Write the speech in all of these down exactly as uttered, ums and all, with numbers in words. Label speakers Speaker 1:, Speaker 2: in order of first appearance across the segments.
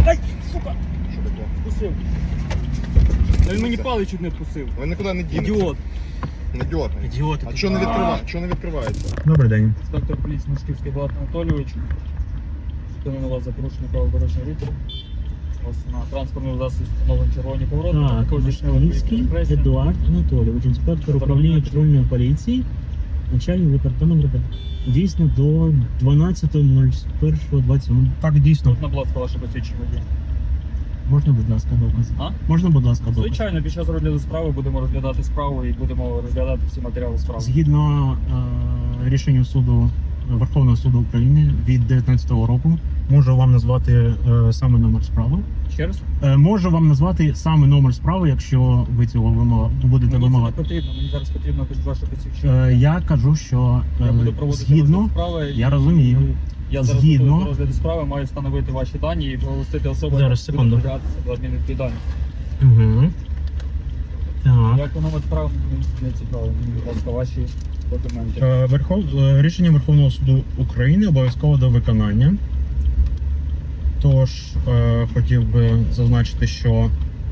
Speaker 1: Ай, сука!
Speaker 2: Що таке?
Speaker 1: Вкусив. Та він мені палець чуть не вкусив.
Speaker 2: Ви нікуди не дінете.
Speaker 1: Ідіот.
Speaker 2: Не дьоргай.
Speaker 1: Ідіот.
Speaker 2: А що не відкриває? Що не відкривається?
Speaker 3: Добрий день.
Speaker 1: Інспектор поліції Мушківський Влад Анатолійович. Зупинили вас за порушення правил дорожнього руху. У вас на транспортному засобі встановлені червоні повороти.
Speaker 3: Так,
Speaker 1: Також здійснили
Speaker 3: Мушківський
Speaker 1: репресії.
Speaker 3: Едуард Анатолійович, інспектор управління патрульної поліції, начальник департаменту. Дійсно до дванадцятого першого двадцять сьомого. Так, дійсно.
Speaker 1: Можна, будь ласка, ваше посвідчення водія?
Speaker 3: Можна, будь ласка, докази?
Speaker 1: А?
Speaker 3: Можна, будь ласка, докази?
Speaker 1: Звичайно, під час розгляду справи будемо розглядати справу і будемо розглядати всі матеріали справи.
Speaker 3: Згідно е, рішенню суду Верховного суду України від дев'ятнадцятого року, можу вам назвати е, саме номер справи.
Speaker 1: Ще раз?
Speaker 3: Е, можу вам назвати саме номер справи, якщо ви цього вимога, будете
Speaker 1: Мені це не
Speaker 3: вимагати.
Speaker 1: потрібно, мені зараз потрібно ваше посвідчення.
Speaker 3: Е, я кажу, що е,
Speaker 1: Я буду проводити
Speaker 3: згідно,
Speaker 1: розгляд справи.
Speaker 3: я розумію.
Speaker 1: Я зараз
Speaker 3: Згідно-
Speaker 1: до розгляду справи маю встановити ваші дані і оголосити особу,
Speaker 3: Зараз,
Speaker 1: яка буде
Speaker 3: секунду.
Speaker 1: притягатися до адмінвідповідальності.
Speaker 3: Угу. Так.
Speaker 1: Як воно справи мені не цікаво, мені, будь ласка, ваші документи.
Speaker 3: Е, Верхов... е, Рішення Верховного суду України обов'язково до виконання. Тож е, хотів би зазначити, що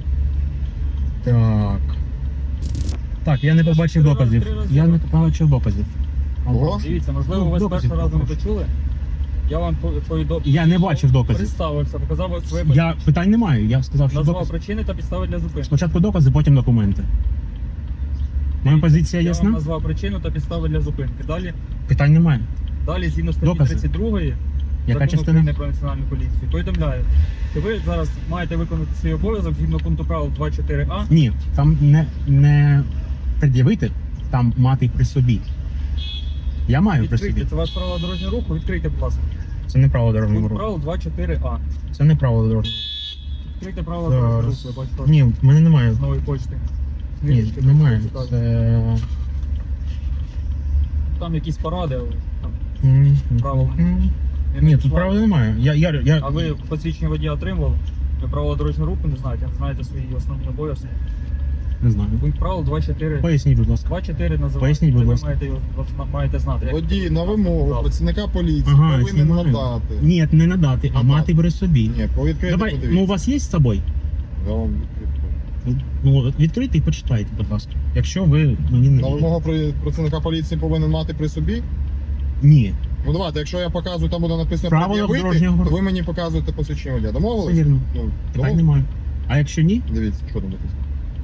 Speaker 3: так. Так, я не побачив
Speaker 1: Три рази,
Speaker 3: доказів.
Speaker 1: три рази.
Speaker 3: Я не побачив доказів.
Speaker 2: Ого.
Speaker 1: Дивіться, можливо,
Speaker 3: Ну,
Speaker 1: ви з
Speaker 3: доказів
Speaker 1: першого разу не
Speaker 3: попрошу.
Speaker 1: почули. Я вам повідомив.
Speaker 3: Я не бачив доказів.
Speaker 1: Представився, показав своє
Speaker 3: Я питань не маю. Я сказав, що
Speaker 1: назвав
Speaker 3: докази.
Speaker 1: причини та підстави для зупинки.
Speaker 3: Спочатку докази, потім документи. Моя позиція
Speaker 1: Я вам
Speaker 3: ясна?
Speaker 1: назвав причину та підстави для зупинки. Далі,
Speaker 3: Питань немає.
Speaker 1: далі згідно статті
Speaker 3: Докази.
Speaker 1: тридцять другої
Speaker 3: Яка
Speaker 1: Закону
Speaker 3: частина?
Speaker 1: України про національну поліцію, повідомляю, що ви зараз маєте виконати свій обов'язок згідно пункту правил два чотири а.
Speaker 3: Ні, там не, не пред'явити, там мати при собі. Я маю при
Speaker 1: Відкрийте,
Speaker 3: собі.
Speaker 1: це ваше правило дорожнього руху, відкрийте, будь ласка.
Speaker 3: Це не право дорожнього
Speaker 1: Пункт
Speaker 3: руху.
Speaker 1: правил два чотири а.
Speaker 3: Це не право дорожнього.
Speaker 1: Відкрийте правила дорожнього руху,
Speaker 3: Зараз.
Speaker 1: я бачу.
Speaker 3: Ні, в мене немає.
Speaker 1: З нової почти.
Speaker 3: Ні,
Speaker 1: Книжечки,
Speaker 3: немає.
Speaker 1: цікаві.
Speaker 3: Це...
Speaker 1: Там якісь поради, але там
Speaker 3: М,
Speaker 1: правила.
Speaker 3: м.
Speaker 1: не
Speaker 3: Ні, тут
Speaker 1: надійшла.
Speaker 3: правил немає. Я, я, я...
Speaker 1: А ви посвідчення водія отримували? Ви правила дорожнього руху не знаєте, не знаєте свої основні обов'язки.
Speaker 3: Не знаю.
Speaker 1: Пункт правил два чотири.
Speaker 3: Поясніть, будь ласка.
Speaker 1: два чотири називається.
Speaker 3: Поясніть, будь
Speaker 1: Це ви
Speaker 3: ласка.
Speaker 1: маєте, його- маєте знати. як-
Speaker 2: Водій на вимогу
Speaker 1: Правда.
Speaker 2: працівника поліції
Speaker 3: Ага,
Speaker 2: повинен
Speaker 3: знімаю.
Speaker 2: надати.
Speaker 3: Ні, не надати, а
Speaker 2: Надати.
Speaker 3: мати при собі.
Speaker 2: Ні, по відкриту
Speaker 3: Давай,
Speaker 2: подивіться.
Speaker 3: ну у вас є з собою?
Speaker 2: Я вам відкрию.
Speaker 3: Ну, відкрийте і почитайте, будь ласка. Якщо ви мені не
Speaker 2: На
Speaker 3: вірите.
Speaker 2: вимогу при- працівника поліції повинен мати при собі.
Speaker 3: Ні.
Speaker 2: Ну давайте, якщо я показую, там буде написано
Speaker 3: Правила
Speaker 2: пред'явити,
Speaker 3: дорожнього
Speaker 2: то
Speaker 3: руху.
Speaker 2: ви мені показуєте посвідчення водія.
Speaker 3: Все
Speaker 2: Домовились?
Speaker 3: вірно.
Speaker 2: Ну,
Speaker 3: Питань
Speaker 2: домовились?
Speaker 3: немає. А якщо ні,
Speaker 2: Дивіться, що там написано.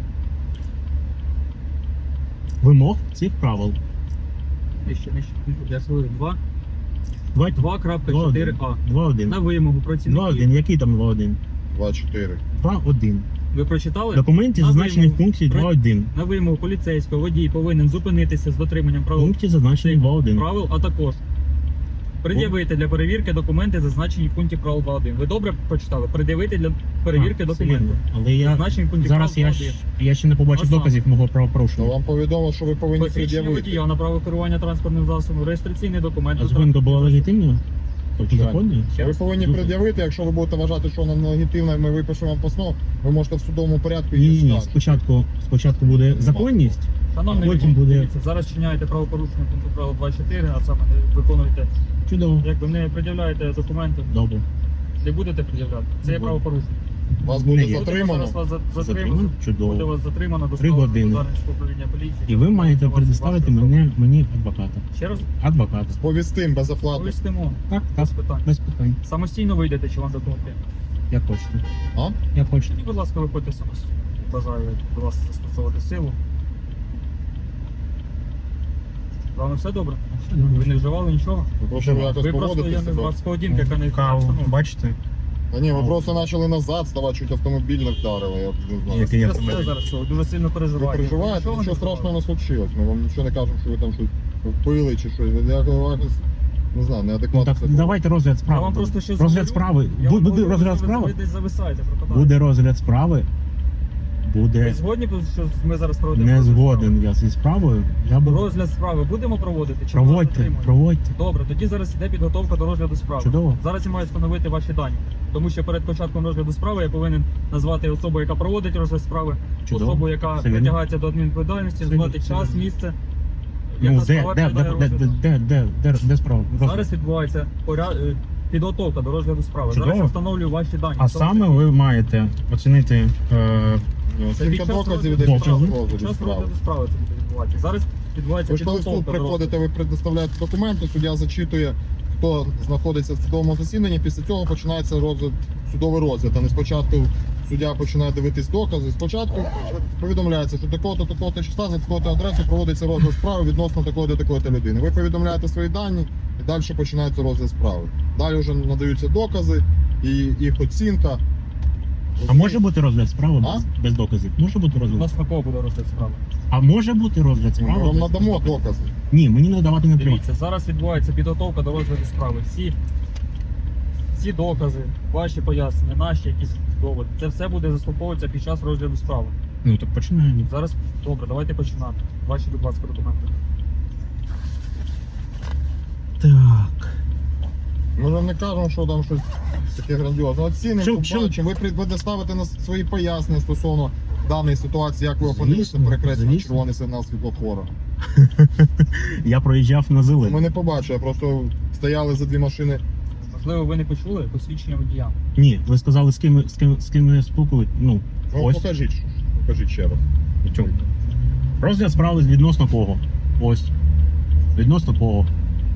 Speaker 3: вимог цих правил.
Speaker 1: Нижче, нижче. Я свою два.
Speaker 3: два
Speaker 1: два крапка чотири а.
Speaker 3: два один.
Speaker 1: На вимогу
Speaker 3: два один.
Speaker 1: працівників.
Speaker 3: Який там два один?
Speaker 2: два чотири.
Speaker 3: два один.
Speaker 1: Ви прочитали?
Speaker 3: В документі
Speaker 1: На
Speaker 3: зазначені в
Speaker 1: вимогу.
Speaker 3: пункті
Speaker 1: При-
Speaker 3: два один.
Speaker 1: На вимогу поліцейського водій повинен зупинитися з дотриманням
Speaker 3: В
Speaker 1: правил,
Speaker 3: пункті зазначені два один.
Speaker 1: правил, а також пред'явити для перевірки документи, зазначені в пункті правил два один. Ви добре прочитали? Пред'явити для перевірки
Speaker 3: А, все
Speaker 1: документи.
Speaker 3: вірно. Але я
Speaker 1: Зазначені в пункті
Speaker 3: зараз
Speaker 1: правил
Speaker 3: я,
Speaker 1: два
Speaker 3: ж,
Speaker 1: один.
Speaker 3: я ще не побачив
Speaker 1: А саме?
Speaker 3: доказів мого
Speaker 2: То
Speaker 3: правопорушення.
Speaker 2: вам повідомо, що ви повинні
Speaker 1: Посвідчення
Speaker 2: пред'явити.
Speaker 1: водія на право керування транспортним засобом, реєстраційний документ.
Speaker 3: А зупинка була легітимною? Тобто законною?
Speaker 2: Ви повинні
Speaker 3: Дуже.
Speaker 2: пред'явити, якщо ви будете вважати, що вона нелегітимна, ми випишемо вам постанову, ви можете в судовому порядку
Speaker 3: Ні,
Speaker 2: її
Speaker 3: ні, ні.
Speaker 2: скаржити.
Speaker 3: Спочатку, спочатку буде законність.
Speaker 1: Шановний
Speaker 3: Потім
Speaker 1: водій,
Speaker 3: буде-
Speaker 1: дивіться, зараз чиняєте правопорушення пункту правил два чотири, а саме не виконуєте,
Speaker 3: Чудово.
Speaker 1: якби не пред'являєте документи,
Speaker 3: Добре.
Speaker 1: не будете пред'являти. Це є
Speaker 3: Не буду.
Speaker 1: правопорушення.
Speaker 2: Вас
Speaker 3: Не
Speaker 2: буде
Speaker 3: є.
Speaker 2: затримано.
Speaker 1: Зараз вас за- затримано.
Speaker 3: Затримано?
Speaker 1: Буде
Speaker 3: Чудово.
Speaker 1: вас затримано до
Speaker 3: Три години.
Speaker 1: Дарницького управління поліції.
Speaker 3: І ви маєте
Speaker 1: Вас-
Speaker 3: предоставити
Speaker 1: вашу
Speaker 3: мене, мені адвоката.
Speaker 1: Ще раз
Speaker 3: Адвоката.
Speaker 2: Повістим безоплатно.
Speaker 1: повістимо.
Speaker 3: Так, так,
Speaker 1: Без питань.
Speaker 3: без питань.
Speaker 1: Самостійно вийдете, чи вам допомогти?
Speaker 3: Як хочете.
Speaker 2: А?
Speaker 3: Як хочете.
Speaker 1: І, будь ласка, виходьте самостійно. Бажаю до вас застосовувати силу. Вам все добре? Ви не вживали нічого?
Speaker 2: Ви просто якось
Speaker 1: Ви просто,
Speaker 2: поводите
Speaker 1: я не
Speaker 2: себе.
Speaker 1: знаю, з поведінки, яка не
Speaker 3: Каву,
Speaker 1: ну,
Speaker 3: бачите?
Speaker 2: Та ні, ви просто почали назад ставати, чуть автомобіль не вдарили, я не знаю.
Speaker 3: Який
Speaker 1: це
Speaker 3: автомобіль?
Speaker 1: все зараз що, ви дуже сильно
Speaker 2: Ви
Speaker 1: переживаєте.
Speaker 2: переживаєте,
Speaker 1: Нічого
Speaker 2: нічого
Speaker 1: не
Speaker 2: страшного не случилось. Ми вам нічого не кажемо, що ви там щось впили чи щось. Ви якось, не знаю,
Speaker 3: Ну,
Speaker 2: неадекватно.
Speaker 3: так,
Speaker 2: себе
Speaker 3: давайте розгляд
Speaker 1: Я
Speaker 3: справи.
Speaker 1: вам
Speaker 3: буде.
Speaker 1: просто ще
Speaker 3: Розгляд
Speaker 1: говорю.
Speaker 3: справи.
Speaker 1: Я
Speaker 3: Бу-
Speaker 1: вам
Speaker 3: Буде
Speaker 1: говорю,
Speaker 3: розгляд
Speaker 1: що ви-
Speaker 3: справи?
Speaker 1: Ви десь зависаєте, пропадаєте.
Speaker 3: Буде розгляд справи.
Speaker 1: Ви
Speaker 3: Буде
Speaker 1: згодні, що ми зараз проводимо
Speaker 3: не
Speaker 1: розгляд
Speaker 3: згоден я зі справою. Я
Speaker 1: справи?
Speaker 3: буду.
Speaker 1: Розгляд справи будемо проводити? Чи ми вас
Speaker 3: Проводьте,
Speaker 1: затримуємо?
Speaker 3: проводьте.
Speaker 1: Добре, тоді зараз іде підготовка до розгляду справи.
Speaker 3: Чудово.
Speaker 1: Зараз я маю встановити ваші дані. Тому що перед початком розгляду справи я повинен назвати особу, яка проводить розгляд справи,
Speaker 3: Чудово.
Speaker 1: особу, яка
Speaker 3: Все вірно.
Speaker 1: притягається до адмінвідповідальності,
Speaker 3: Все
Speaker 1: назвати
Speaker 3: вірно,
Speaker 1: час,
Speaker 3: все вірно.
Speaker 1: місце.
Speaker 3: Ну,
Speaker 1: яка
Speaker 3: де,
Speaker 1: справа
Speaker 3: де, де,
Speaker 1: підлягає
Speaker 3: де,
Speaker 1: розгляду.
Speaker 3: де, де, де, де, де справа? Розгляд.
Speaker 1: Зараз відбувається поряд... е, підготовка до розгляду справи.
Speaker 3: Чудово.
Speaker 1: Зараз я встановлюю ваші дані.
Speaker 3: А
Speaker 1: В тому
Speaker 3: саме
Speaker 1: числі
Speaker 3: ви маєте оцінити е,
Speaker 2: Ну,
Speaker 1: Це під
Speaker 2: Тільки
Speaker 1: час
Speaker 2: доказів
Speaker 1: розгляду
Speaker 2: іде
Speaker 3: справи.
Speaker 2: час
Speaker 1: під
Speaker 2: розгляду
Speaker 1: час
Speaker 2: справи.
Speaker 1: розгляду справи це буде відбуватися. Зараз відбувається
Speaker 2: Ви ж коли в суд
Speaker 1: підготовка до розгляду.
Speaker 2: приходите, ви предоставляєте документи, суддя зачитує, хто знаходиться в судовому засіданні. Після цього починається розгляд, судовий розгляд. А не спочатку суддя починає дивитись докази. Спочатку повідомляється, що такого-то, такого-то числа, за такого-то адресу проводиться розгляд справи відносно такої-то, такої-то людини. Ви повідомляєте свої дані і далі починається розгляд справи. Далі вже надаються докази і їх оцінка.
Speaker 3: а може бути розгляд справи
Speaker 2: А?
Speaker 3: без, без доказів? Може бути
Speaker 1: У
Speaker 3: розгляд?
Speaker 1: нас на кого буде розгляд справи?
Speaker 3: А може бути розгляд
Speaker 2: Ми
Speaker 3: справи?
Speaker 2: вам
Speaker 3: без-
Speaker 2: надамо докази.
Speaker 3: Ні, мені надавати не треба.
Speaker 1: Дивіться, зараз відбувається підготовка до розгляду справи. Всі, всі докази, ваші пояснення, наші якісь доводи. Це все буде заслуховуватися під час розгляду справи.
Speaker 3: Ну так починаємо.
Speaker 1: Зараз добре, давайте починати. Ваші, будь ласка, документи.
Speaker 3: Так.
Speaker 2: Ми ж вам не кажемо, що там щось таке грандіозне. Оцінимо,
Speaker 3: Чим- чим-
Speaker 2: побачимо. Ви будете ставити на свої пояснення стосовно даної ситуації, як ви опинилися
Speaker 3: Звісно,
Speaker 2: перекреслено
Speaker 3: звісно.
Speaker 2: червоний сигнал світлофора.
Speaker 3: Я проїжджав на
Speaker 2: Ми
Speaker 3: зелений.
Speaker 2: не побачили, просто стояли за дві машини.
Speaker 1: Можливо, ви не почули посвідчення водія.
Speaker 3: Ні, ви сказали, з ким, з ким, з ким я спілкуюсь. Ну,
Speaker 2: Ну,
Speaker 3: ось.
Speaker 2: покажіть, що ж. покажіть ще раз.
Speaker 3: в чому. Розгляд справи відносно кого? Ось. Відносно кого?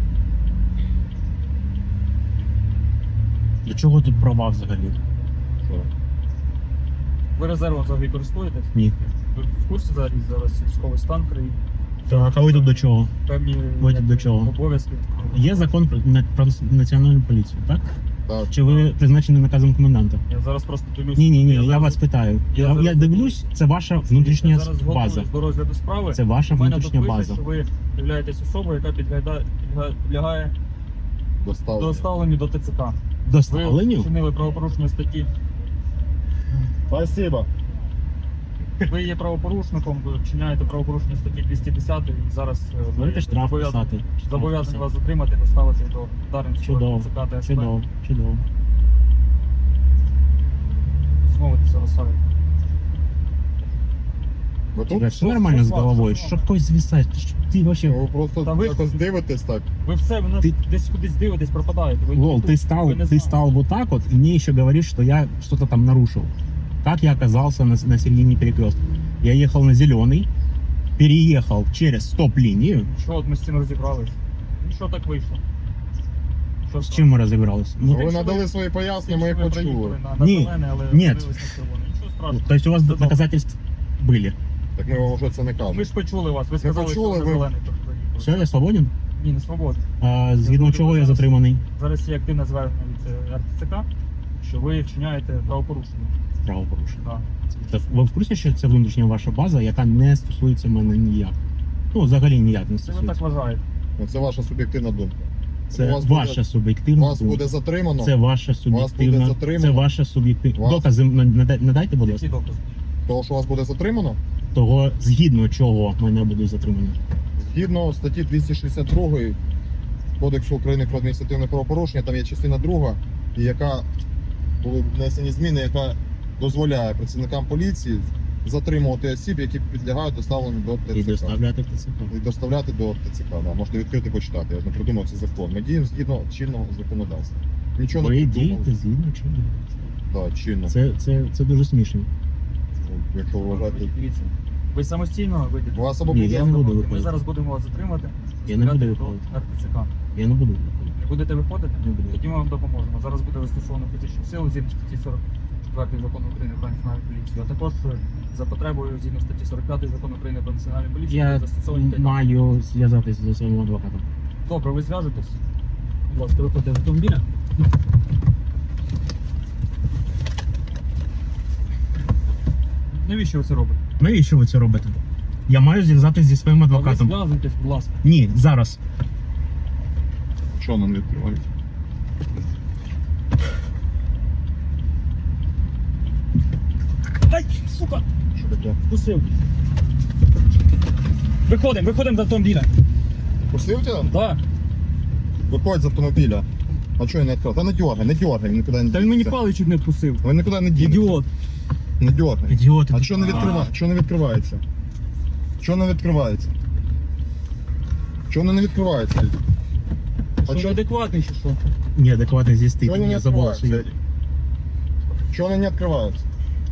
Speaker 3: Для чого тут права взагалі?
Speaker 2: Що?
Speaker 1: Ви резервом взагалі користуєтесь?
Speaker 3: Ні.
Speaker 1: Ви в курсі зараз зараз військовий стан в країні?
Speaker 3: Так, а ви тут до чого?
Speaker 1: Певні
Speaker 3: Ви
Speaker 1: як,
Speaker 3: до чого?
Speaker 1: обов'язки.
Speaker 3: Є закон про, на- про національну поліцію, так?
Speaker 2: Так.
Speaker 3: Чи ви призначені наказом коменданта?
Speaker 1: Я зараз просто дивлюсь.
Speaker 3: Ні, ні, ні, я,
Speaker 1: зараз-
Speaker 3: вас питаю.
Speaker 1: я
Speaker 3: Я, я
Speaker 1: зараз-
Speaker 3: дивлюсь, це ваша внутрішня
Speaker 1: я зараз
Speaker 3: база.
Speaker 1: готуюсь до розгляду справи.
Speaker 3: Це ваша
Speaker 1: У мене тут
Speaker 3: внутрішня
Speaker 1: пише,
Speaker 3: база.
Speaker 1: що ви являєтесь особою, яка підлягає, підлягає
Speaker 2: Доставлення.
Speaker 1: доставленню до ТЦК. Ви
Speaker 3: Доставленню?
Speaker 1: вчинили правопорушення статті.
Speaker 2: Спасибо.
Speaker 1: Ви є правопорушником, ви вчиняєте правопорушення статті двісті десять і зараз е, ви
Speaker 3: Будете штраф
Speaker 1: зобов'язані-
Speaker 3: писати. Штраф
Speaker 1: зобов'язані
Speaker 3: писати.
Speaker 1: вас затримати, доставити до Дарницького
Speaker 3: Чудово,
Speaker 1: ТЦК та СП.
Speaker 3: Чудово, чудово.
Speaker 1: Змовитися розсадити.
Speaker 2: Ви
Speaker 3: Тебе
Speaker 2: тут?
Speaker 3: все нормально з
Speaker 1: що з вами?
Speaker 3: головою?
Speaker 1: Що з
Speaker 3: Що
Speaker 1: вами?
Speaker 3: когось звісаєш? Ти що- Ти вообще...
Speaker 2: Ви просто
Speaker 1: Та ви-
Speaker 2: якось дивитесь так.
Speaker 1: Ви все, ви нас
Speaker 3: Ти-
Speaker 1: десь кудись дивитесь, пропадаєте. Ви
Speaker 3: Лол,
Speaker 1: тут,
Speaker 3: ты стал,
Speaker 1: ви не
Speaker 3: ты
Speaker 1: знаєте.
Speaker 3: стал вот так вот, и мне еще говоришь, что я что-то там нарушил. Как я оказался на, на середине перекрестка? Я ехал на зеленый, переехал через стоп-линию.
Speaker 1: Що от ми з цим розібрались? Ну що так вийшло? Що
Speaker 3: С чем мы разобрались? Ну,
Speaker 2: Ви
Speaker 1: якщо
Speaker 2: надали
Speaker 1: ви-
Speaker 2: свої пояснення, ми
Speaker 1: Ми
Speaker 2: їх почули.
Speaker 1: проїхали на, на
Speaker 3: Ні,
Speaker 1: зелене, але
Speaker 3: ні.
Speaker 1: дивились на червоне. Нічого страшного.
Speaker 3: то есть у вас
Speaker 1: Чудово.
Speaker 3: доказательства были?
Speaker 2: Так ми вам вже це не
Speaker 1: Ми
Speaker 2: кажемо.
Speaker 1: ж почули вас, ви сказали,
Speaker 2: почули,
Speaker 1: що на
Speaker 2: ви-
Speaker 1: зелений тут проїхали.
Speaker 3: Все, я свободен?
Speaker 1: Ні, не свобода.
Speaker 3: А, згідно
Speaker 1: думаю,
Speaker 3: чого я
Speaker 1: зараз-
Speaker 3: затриманий?
Speaker 1: Зараз є активне звернення від е, ар те це ка, що ви вчиняєте правопорушення.
Speaker 3: Правопорушення.
Speaker 1: Да.
Speaker 3: Це- Ви в курсі, що це внутрішня ваша база, яка не стосується мене ніяк? Ну, взагалі ніяк не
Speaker 1: Це ви так
Speaker 3: стосується.
Speaker 1: вважаєте.
Speaker 2: Ну, Це ваша суб'єктивна думка.
Speaker 3: Це
Speaker 2: у вас буде-
Speaker 3: ваша суб'єктивна
Speaker 2: Вас
Speaker 3: думка.
Speaker 2: буде затримано.
Speaker 3: Це ваша суб'єктивна.
Speaker 2: затримано.
Speaker 3: Це ваша суб'єктивна.
Speaker 2: Вас-
Speaker 3: Докази нада- надайте, будь
Speaker 1: Які
Speaker 3: ласка.
Speaker 1: докази?
Speaker 2: Того, що вас буде затримано,
Speaker 3: Того, згідно чого мене буде затримано.
Speaker 2: згідно статті двісті шістдесят два Кодексу України про адміністративне правопорушення, там є частина друга, і яка були внесені зміни, яка дозволяє працівникам поліції затримувати осіб, які підлягають доставленню до
Speaker 3: І
Speaker 2: ТЦК.
Speaker 3: доставляти в ТЦК.
Speaker 2: І доставляти до ТЦК. Да. Можете відкрити почитати. Я ж не придумав цей закон. Ми діємо згідно чинного законодавства. Нічого
Speaker 3: Ви
Speaker 2: не придумали.
Speaker 3: дієте згідно чого?
Speaker 2: Да, чинно.
Speaker 3: Це, це, це дуже смішно.
Speaker 2: Ну, Якщо ви вважаєте,
Speaker 1: Дивіться. Ви самостійно вийдете.
Speaker 2: у вас або
Speaker 3: Ні,
Speaker 2: буде
Speaker 3: я не буду
Speaker 1: Ми
Speaker 3: виходити.
Speaker 1: зараз будемо вас затримати.
Speaker 3: Я не буду
Speaker 1: доставляти
Speaker 3: виходити.
Speaker 1: до ар те це ка.
Speaker 3: Я не буду.
Speaker 1: Не будете виходити?
Speaker 3: Не буду.
Speaker 1: Тоді ми вам допоможемо. Зараз буде застосовано фізичну силу згідно статті сорок четвертої закону України про національну поліцію. А також е, за потребою згідно статті сорок п'ятої закону України про національну поліцію
Speaker 3: Я
Speaker 1: буде застосовані такі.
Speaker 3: маю зв'язатися зі своїм адвокатом.
Speaker 1: Добре, ви зв'яжетесь. Будь ласка, виходьте з автомобіля. Навіщо ви це робите?
Speaker 3: Навіщо ви це робите? Я маю зв'язатися зі своїм
Speaker 1: А ви
Speaker 3: адвокатом.
Speaker 1: зв'язуйтесь, будь ласка.
Speaker 3: Ні, зараз.
Speaker 2: що нам відкривають?
Speaker 1: Ай, сука,
Speaker 2: Що таке?
Speaker 1: вкусив. Виходимо, виходимо з автомобіля.
Speaker 2: Пустив тебе?
Speaker 1: Так.
Speaker 2: Виходь з автомобіля. А чого я не відкрив? Та не дергай, не дергай, він нікуди не
Speaker 1: Та він мені
Speaker 2: дінеться.
Speaker 1: палець чуть не вкусив.
Speaker 2: Ви нікуди не дінеться.
Speaker 1: Ідіот.
Speaker 2: Не дергай.
Speaker 3: Ідіоти.
Speaker 2: А що не відкриває? Що не відкривається? Що не відкривається? Що воно не відкривається?
Speaker 1: Що
Speaker 2: чо-
Speaker 1: неадекватний чи що?
Speaker 3: Неадекватно здесь ты
Speaker 2: Чего они не
Speaker 3: меня за волосы.
Speaker 2: открываются, Эдик? Чого вони не відкриваються?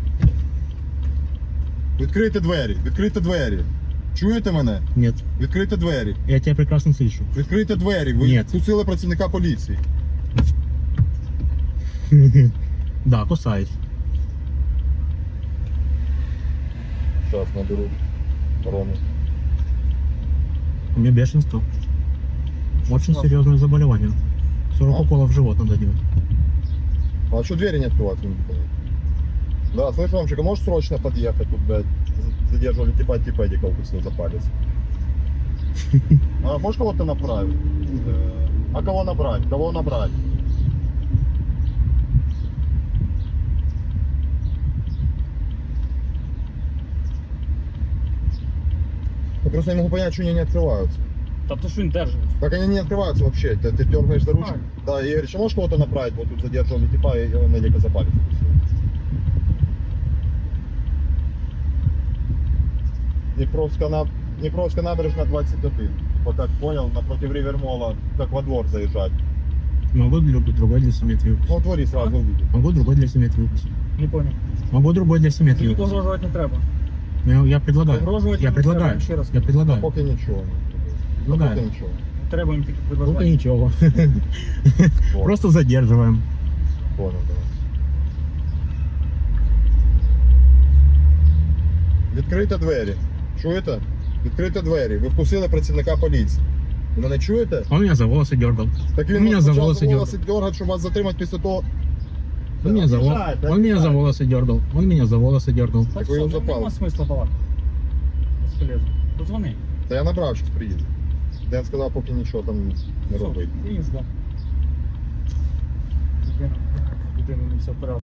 Speaker 2: Відкрийте двері, відкрийте двері. Чуєте мене?
Speaker 3: Нет,
Speaker 2: Відкрийте двері.
Speaker 3: я тебя прекрасно слышу.
Speaker 2: Відкрийте двері. Ви
Speaker 3: Ні.
Speaker 2: впустили працівника поліції.
Speaker 3: Да, кусаюсь.
Speaker 2: Зараз наберу Рому.
Speaker 3: У меня бешенство. Очень
Speaker 1: Что?
Speaker 3: серьезное заболевание. сорок
Speaker 2: А?
Speaker 3: уколов в живот надо делать.
Speaker 2: А что двери не открываются? Не понимаю. Да, слышь, Ромчик, а можешь срочно подъехать? Тут, блядь, за- задерживали типа типа Эдика укусил за палец. А можешь кого-то направить? Э, А кого набрать? Кого набрать? Я просто не могу понять, что они не открываются.
Speaker 1: Та то що він держить?
Speaker 2: Как они не открываются вообще? Ты, ты дергаешь за ручку? Да, Игорь, еще можешь кого-то направить? Вот тут задерживали типа и он Эдика за палец укусил. Днепровская, на... Днепровская набережная двадцать один. Вот так понял, напротив Ривермола, как во двор заезжать.
Speaker 3: Могу для- другой для симметрии
Speaker 2: Ну,
Speaker 3: выпустить.
Speaker 2: в дворе сразу увидит.
Speaker 3: Могу другой для симметрии выпустить.
Speaker 1: Не понял.
Speaker 3: Могу другой для симметрии
Speaker 1: Тобі
Speaker 3: выпустить.
Speaker 1: погрожувати не треба.
Speaker 3: Я, я предлагаю.
Speaker 1: Погрожувати
Speaker 3: Я
Speaker 1: не треба,
Speaker 3: предлагаю.
Speaker 1: ще раз.
Speaker 3: Я предлагаю.
Speaker 2: Поки нічого.
Speaker 3: Ну,
Speaker 2: Поки
Speaker 3: да.
Speaker 2: нічого.
Speaker 1: Не треба їм таких
Speaker 3: Ну-ка
Speaker 1: предложень.
Speaker 3: ничего.
Speaker 2: Вот,
Speaker 3: Просто задерживаем.
Speaker 2: понял, да. Відкрийте двері. Чуєте? Відкрийте двері. Ви впустили працівника поліції. Ви мене чуєте?
Speaker 3: Он меня за волосы дергал.
Speaker 2: Так
Speaker 3: Он
Speaker 2: він
Speaker 3: меня за
Speaker 2: почав
Speaker 3: волосы дергал.
Speaker 2: дергати, щоб вас затримати після того.
Speaker 3: Он меня за, вол-
Speaker 2: Обіжайте,
Speaker 3: он меня за
Speaker 2: обіжайте.
Speaker 3: волосы дергал. Он меня за волосы дергал.
Speaker 1: Так
Speaker 2: Так ви його
Speaker 1: все,
Speaker 2: запали.
Speaker 1: нема смисла балакати. Безполезно. Дозвони.
Speaker 2: Та я набрав, щось приїде. Ден сказав, поки нічого там не робить.
Speaker 1: Все, і ждем. Людина, людина не все вперед.